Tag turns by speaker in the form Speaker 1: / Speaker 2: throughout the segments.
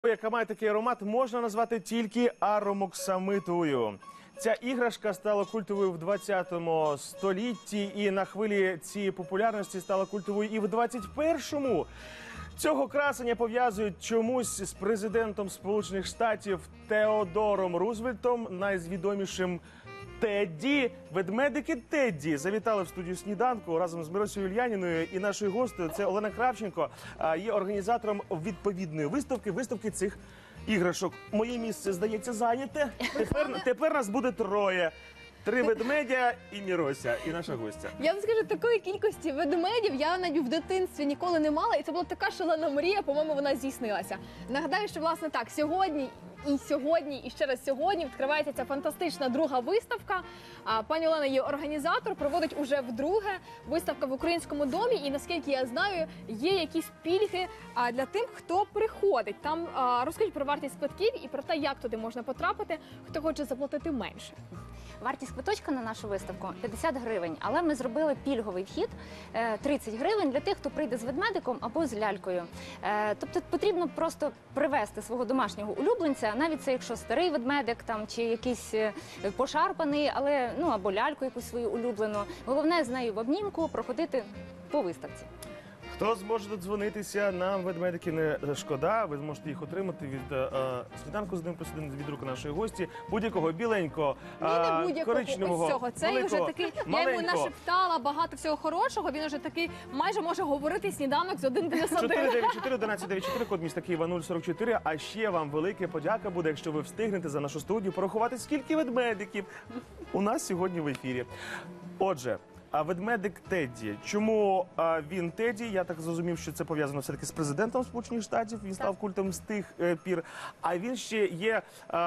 Speaker 1: Яка має такий аромат, можна назвати тільки аромоксамитовою. Ця іграшка стала культовою в 20 столітті і на хвилі цієї популярності стала культовою і в 21-му. Цього красення пов'язують чомусь з президентом Сполучених Штатів Теодором Рузвельтом, найвідомішим Тедді. Ведмедики Тедді завітали в студію «Сніданку» разом з Миросею Ульяніною, і нашою гостею, це Олена Кравченко, є організатором відповідної виставки цих іграшок. Моє місце, здається, зайняте. Тепер нас буде троє. 3 ведмедя і Мирося, і наша гостя.
Speaker 2: Я вам скажу, такої кількості ведмедів я навіть в дитинстві ніколи не мала, і це була така шалена мрія, по-моєму, вона здійснилася. Нагадаю, що, власне, так, сьогодні, і ще раз сьогодні відкривається ця фантастична друга виставка. Пані Олена є організатор, проводить уже вдруге виставка в Українському домі, і, наскільки я знаю, є якісь пільги для тих, хто приходить. Там розкажіть про вартість квитків і про те, як туди можна потрапити, хто хоче заплатити менше.
Speaker 3: Вартість квиточка на нашу виставку 50 гривень, але ми зробили пільговий вхід 30 гривень для тих, хто прийде з ведмедиком або з лялькою. Тобто потрібно просто привезти свого домашнього улюбленця, навіть це якщо старий ведмедик там, чи якийсь пошарпаний, але, або ляльку якусь свою улюблену. Головне з нею в обнімку проходити по виставці.
Speaker 1: Хто зможе додзвонитися, нам ведмедики не шкода. Ви зможете їх отримати від «Сніданку з 1+1», від рук нашої гості, будь-якого біленького, коричневого,
Speaker 2: цього. Це вже такий, я йому нашептала багато всього хорошого, він вже такий майже може говорити «Сніданок з 1+1».
Speaker 1: 494-1194, код міста Києва 044. А ще вам велика подяка буде, якщо ви встигнете за нашу студію порахувати, скільки ведмедиків у нас сьогодні в ефірі. Отже, а ведмедик Тедді. Чому він Тедді? Я так зрозумів, що це пов'язано все-таки з президентом Сполучених Штатів. Він став культом з тих пір. А він ще є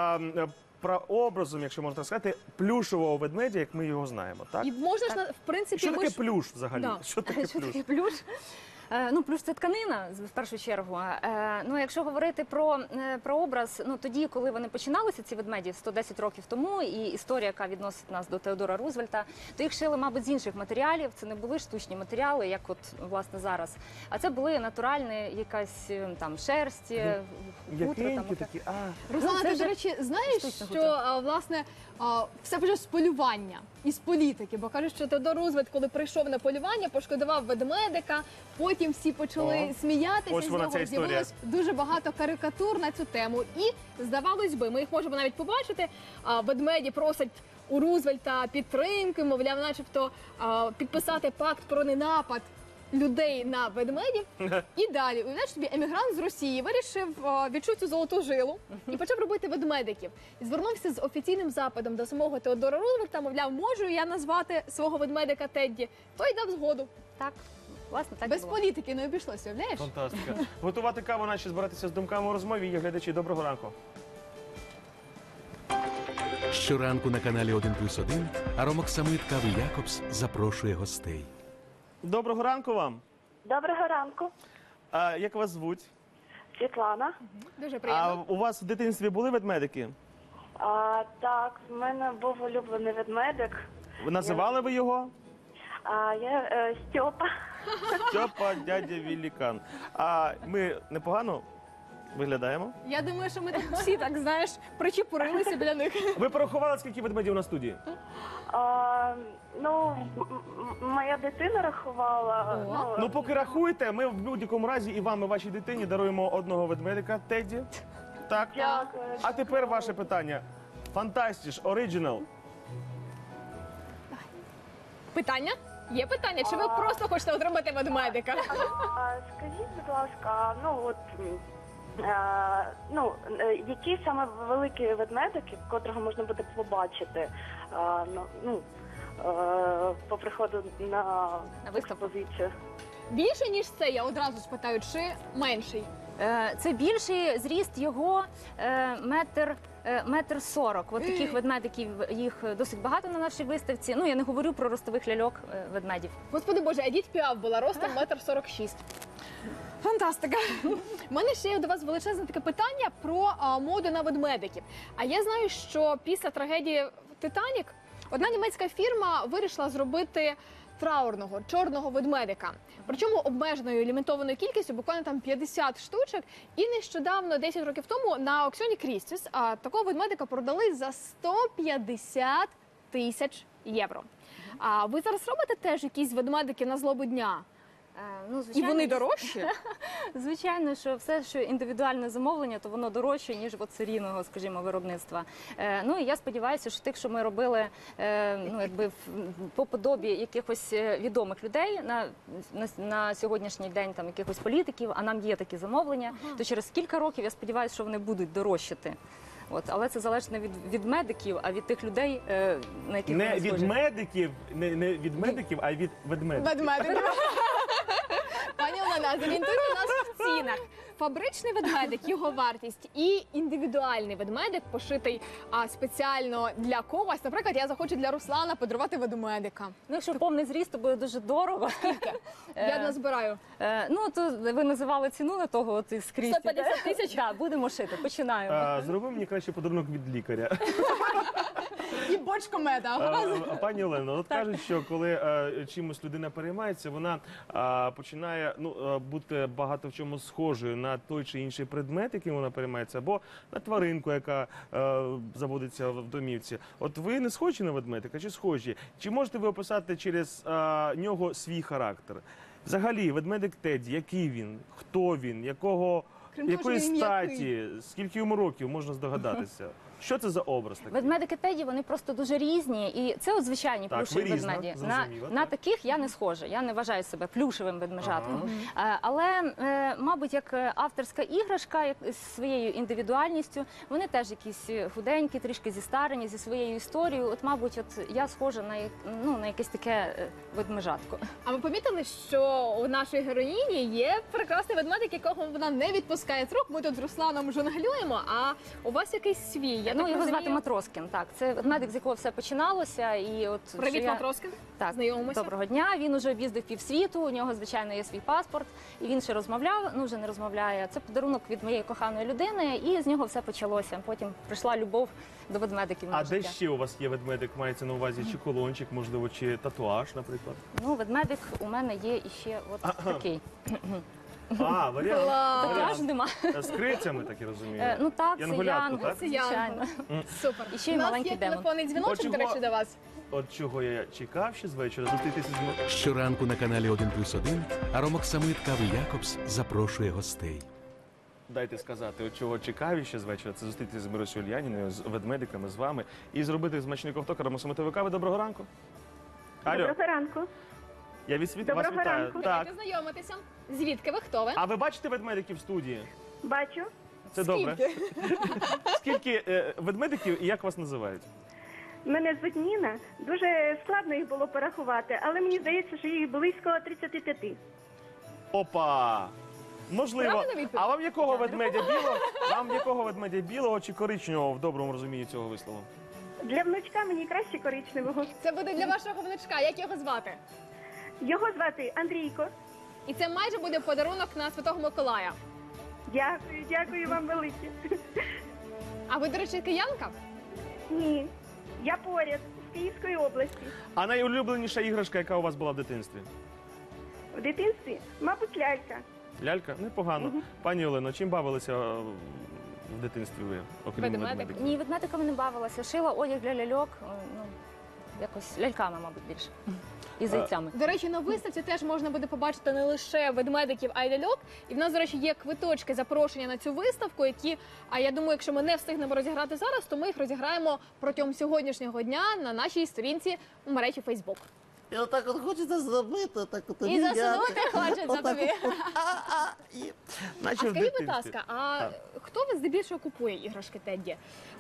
Speaker 1: прообразом, якщо можна так сказати, плюшового ведмедя, як ми його знаємо. Так?
Speaker 2: І можна ж, в принципі...
Speaker 1: Що таке плюш взагалі?
Speaker 2: Да.
Speaker 1: Що таке
Speaker 3: плюш? Плюш – це тканина, в першу чергу. Якщо говорити про образ, тоді, коли вони починалися, ці ведмеді, 110 років тому, і історія, яка відносить нас до Теодора Рузвельта, то їх шили, мабуть, з інших матеріалів. Це не були штучні матеріали, як от, власне, зараз. А це були натуральні якась там шерсть, хутро.
Speaker 1: Такі.
Speaker 2: Руслана, ти, до речі, знаєш, що, власне, все почалося з полювання і з політики, бо кажуть, що Теодор Рузвельт, коли прийшов на полювання, пошкодував ведмедика, потім всі почали сміятися з нього, з'явилось дуже багато карикатур на цю тему. І, здавалось би, ми їх можемо навіть побачити, ведмеді просять у Рузвельта підтримки, мовляв, начебто підписати пакт про ненапад людей на ведмедів. І далі, уявляєш собі, емігрант з Росії вирішив, відчув цю золоту жилу і почав робити ведмедиків. І звернувся з офіційним запитом до самого Теодора Рузвельта, мовляв, можу я назвати свого ведмедика Тедді? Той дав згоду.
Speaker 3: Так. Власне, так
Speaker 2: без політики не обійшлося, уявляєш?
Speaker 1: Фантастика. Готувати каву, наші збиратися з думками у розмові. Є глядачі. Доброго ранку.
Speaker 4: Щоранку на каналі 1+1 аромоксамит кави Якобс запрошує гостей.
Speaker 1: Доброго ранку вам.
Speaker 5: Доброго ранку.
Speaker 1: Як вас звуть?
Speaker 5: Світлана.
Speaker 2: Дуже приємно.
Speaker 1: А у вас в дитинстві були ведмедики?
Speaker 5: Так, в мене був улюблений ведмедик.
Speaker 1: Називали ви його?
Speaker 5: Я Стьопа.
Speaker 1: Стьопа, дядя Великан. Ми непогано виглядаємо?
Speaker 2: Я думаю, що ми так всі, так, знаєш, причепурилися біля них.
Speaker 1: Ви порахували, скільки ведмедів на студії?
Speaker 5: Моя дитина рахувала.
Speaker 1: Поки рахуєте, ми в будь-якому разі і вам, і вашій дитині даруємо одного ведмедика Тедді. Так?
Speaker 5: Дякую.
Speaker 1: А тепер ваше питання. Фантастіш, оригінал.
Speaker 2: Питання? Є питання? Чи ви просто хочете отримати ведмедика?
Speaker 5: Скажіть, будь ласка, які саме великі ведмедики, котрого можна буде побачити по приходу на експозицію?
Speaker 2: Більше, ніж це, я одразу спитаю, чи менший?
Speaker 3: Це більший, зріст його метр 40. От таких ведмедиків, їх досить багато на нашій виставці. Я не говорю про ростових ляльок ведмедів.
Speaker 2: Господи Боже, Едіт Піаф була ростом 1,46 м. Фантастика! У мене ще є до вас величезне таке питання про моду на ведмедиків. А я знаю, що після трагедії «Титанік» одна німецька фірма вирішила зробити траурного, чорного ведмедика. Причому обмеженою лімітованою кількістю, буквально там 50 штучок. І нещодавно, 10 років тому, на аукціоні Крістіс такого ведмедика продали за 150 тисяч євро. А ви зараз робите теж якісь ведмедики на злобу дня?
Speaker 3: Ну,
Speaker 2: І
Speaker 3: звичайно,
Speaker 2: вони дорожчі?
Speaker 3: Звичайно, що все, що індивідуальне замовлення, то воно дорожче, ніж от серійного, скажімо, виробництва. Ну і я сподіваюся, що тих, що ми робили ну, якби по подобі якихось відомих людей на сьогоднішній день, там якихось політиків, а нам є такі замовлення, то через кілька років я сподіваюся, що вони будуть дорожчати. От, але це залежить не від медиків, а від тих людей, на яких
Speaker 1: Не
Speaker 3: вони
Speaker 1: від
Speaker 3: схожі.
Speaker 1: медиків, не від медиків, а від ведмедиків.
Speaker 2: Ведмедик. Пані Олена, зорієнтуйте нас в цінах. Фабричний ведмедик, його вартість і індивідуальний ведмедик, пошитий спеціально для когось. Наприклад, я захочу для Руслана подарувати ведмедика.
Speaker 3: Ну, якщо повний зріст, то буде дуже дорого.
Speaker 2: Я назбираю.
Speaker 3: Ну, то ви називали ціну на того от скрізь.
Speaker 2: 150 тисяч?
Speaker 3: Так, будемо шити, починаємо.
Speaker 1: Зроби мені краще подарунок від лікаря.
Speaker 2: І бочку меда.
Speaker 1: Пані Олено, от кажуть, що коли чимось людина переймається, вона починає бути багато в чому схожою на той чи інший предмет, яким вона переймається, або на тваринку, яка заводиться в домівці. От ви не схожі на ведмедика, чи схожі? Чи можете ви описати через нього свій характер? Взагалі, ведмедик Тедді, який він, хто він, якої
Speaker 2: що він
Speaker 1: статі, скільки йому років, можна здогадатися? Що це за образ такий?
Speaker 3: Ведмедики Теді, вони просто дуже різні. І це от звичайні
Speaker 1: Так,
Speaker 3: плюшеві
Speaker 1: ви різна,
Speaker 3: ведмеді.
Speaker 1: зрозуміло,
Speaker 3: На
Speaker 1: так.
Speaker 3: таких я не схожа. Я не вважаю себе плюшевим ведмежатком. Але, мабуть, як авторська іграшка з своєю індивідуальністю, вони теж якісь худенькі, трішки зістарені, зі своєю історією. От, мабуть, я схожа на якесь таке ведмежатко.
Speaker 2: А ви помітили, що у нашої героїні є прекрасний ведмедик, якого вона не відпускає з рук. Ми тут з Русланом жонглюємо, а у вас якийсь свій. Я так
Speaker 3: Його звати
Speaker 2: розумію.
Speaker 3: Матроскін. Так, це ведмедик, з якого все починалося. І от
Speaker 2: Привіт,
Speaker 3: що я-
Speaker 2: Матроскін.
Speaker 3: Так,
Speaker 2: Знайомимося.
Speaker 3: доброго дня. Він уже об'їздив півсвіту, у нього, звичайно, є свій паспорт, і він ще розмовляв, вже не розмовляє. Це подарунок від моєї коханої людини, і з нього все почалося. Потім прийшла любов до ведмедиків на
Speaker 1: А де
Speaker 3: життя.
Speaker 1: ще у вас є ведмедик? Мається на увазі чи колончик, можливо, чи татуаж, наприклад?
Speaker 3: Ну, ведмедик у мене є іще от такий.
Speaker 1: Варіант.
Speaker 3: Татуаж нема.
Speaker 1: З крицями, так і розумію.
Speaker 3: Ну так, це
Speaker 1: Янголятко,
Speaker 3: Янгол,
Speaker 1: так?
Speaker 2: Це Янгол.
Speaker 3: звичайно.
Speaker 2: Супер.
Speaker 3: І ще й
Speaker 2: У нас
Speaker 3: маленький
Speaker 2: є
Speaker 3: демон.
Speaker 2: телефонний дзвіночок,
Speaker 1: От
Speaker 2: до
Speaker 1: чого-
Speaker 2: речі, до вас.
Speaker 1: От чого я чекав ще з вечора, зустрітися з
Speaker 4: Щоранку на каналі 1+1 Аромоксамит Кави Якобс запрошує гостей.
Speaker 1: Дайте сказати, от чого чекав ще з вечора, це зустрітися з Миросою Ульяніною, з ведмедиками, з вами, і зробити смачний ковток аромоксамитової кави. Доброго ранку. Алло,
Speaker 5: Доброго ранку.
Speaker 1: я вас
Speaker 5: Доброго
Speaker 1: вітаю.
Speaker 5: ранку.
Speaker 1: Так.
Speaker 2: Давайте знайомитися. Звідки ви? Хто ви?
Speaker 1: А ви бачите ведмедиків в студії?
Speaker 5: Бачу.
Speaker 1: Це добре. Скільки ведмедиків і як вас називають?
Speaker 5: Мене звуть Ніна. Дуже складно їх було порахувати, але мені здається, що їх близько 35.
Speaker 1: Опа! Можливо.
Speaker 2: Правильна відповідь?
Speaker 1: А вам якого ведмедя білого? Вам якого ведмедя білого чи коричневого в доброму розумінні цього вислову?
Speaker 5: Для внучка мені краще коричневого.
Speaker 2: Це буде для вашого внучка. Як його звати?
Speaker 5: Його звати Андрійко.
Speaker 2: І це майже буде подарунок на Святого Миколая.
Speaker 5: Дякую вам велике.
Speaker 2: А ви, до речі, киянка?
Speaker 5: Ні, я поряд з Київської області.
Speaker 1: А найулюбленіша іграшка, яка у вас була в дитинстві?
Speaker 5: В дитинстві, мабуть, лялька.
Speaker 1: Лялька? Непогано. Пані Олено, чим бавилися в дитинстві ви, окрім
Speaker 2: Ведмедик.
Speaker 1: ведмедиків?
Speaker 3: Ні, ведмедиками не бавилася. Шила одяг для ляльок, якось ляльками, мабуть, більше. І зайцями.
Speaker 2: До речі, на виставці теж можна буде побачити не лише ведмедиків, а й ляльок. І в нас, до речі, є квиточки запрошення на цю виставку, які, я думаю, якщо ми не встигнемо розіграти зараз, то ми їх розіграємо протягом сьогоднішнього дня на нашій сторінці у мережі Фейсбук.
Speaker 6: І отак от хочеться зробити, так от
Speaker 2: І засунути хочеться
Speaker 6: Отак
Speaker 2: тобі.
Speaker 6: і...
Speaker 1: Наче
Speaker 2: А
Speaker 1: в
Speaker 2: скажіть, будь
Speaker 1: дитинстві.
Speaker 2: ласка, а хто ви здебільшого купує іграшки Тедді?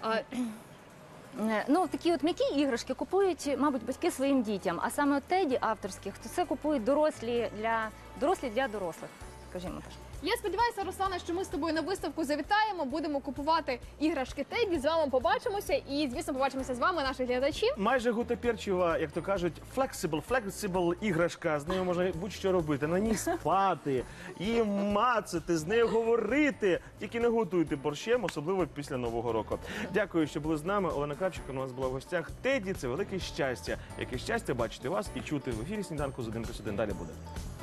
Speaker 3: Ну, такі от м'які іграшки купують, мабуть, батьки своїм дітям. А саме от Теді авторських, то це купують дорослі для дорослих, скажімо так.
Speaker 2: Я сподіваюся, Руслана, що ми з тобою на виставку завітаємо, будемо купувати іграшки Теді, з вами побачимося і, звісно, побачимося з вами, наші глядачі.
Speaker 1: Майже гутоперчева, як то кажуть, flexible іграшка. З нею можна будь-що робити. На ній спати, і мацати, з нею говорити. Тільки не готуйте борщем, особливо після Нового року. Дякую, що були з нами. Олена Кравченко у нас була в гостях. Теді – це велике щастя. Яке щастя бачити вас і чути в ефірі «Сніданку з 1+1». Далі буде.